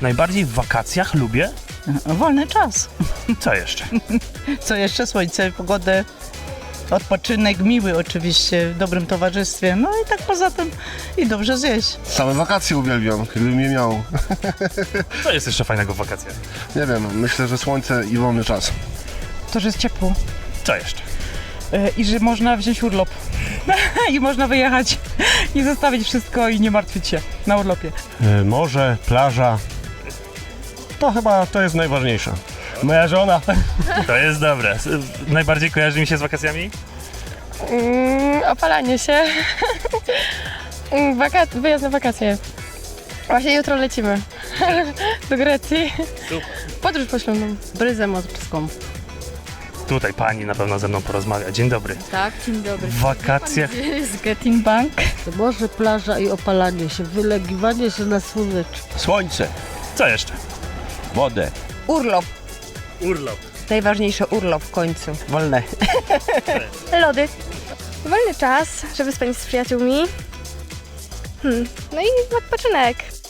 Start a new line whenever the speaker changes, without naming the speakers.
Najbardziej w wakacjach lubię?
Wolny czas.
Co jeszcze?
Co jeszcze? Słońce, pogodę, odpoczynek miły oczywiście, w dobrym towarzystwie. No i tak poza tym i dobrze zjeść.
Same wakacje uwielbiam, gdybym je miał.
Co jest jeszcze fajnego w wakacjach?
Nie wiem, myślę, że słońce i wolny czas.
To, że jest ciepło
Co jeszcze?
i że można wziąć urlop i można wyjechać i zostawić wszystko i nie martwić się na urlopie.
Morze, plaża. To jest najważniejsze. Moja żona.
To jest dobre. Najbardziej kojarzy mi się z wakacjami?
Opalanie się. Wyjazd na wakacje. Właśnie jutro lecimy do Grecji.
Super.
Podróż poślubną. Bryzę morską.
Tutaj pani na pewno ze mną porozmawia. Dzień dobry.
Tak, dzień dobry.
W wakacjach
Z Getting Bank.
Morze, plaża i opalanie się, wylegiwanie się na słoneczku.
Słońce,
co jeszcze?
wodę.
Urlop.
Urlop.
Najważniejsze urlop w końcu.
Wolne.
Lody. Wolny czas, żeby spędzić z przyjaciółmi. No i odpoczynek.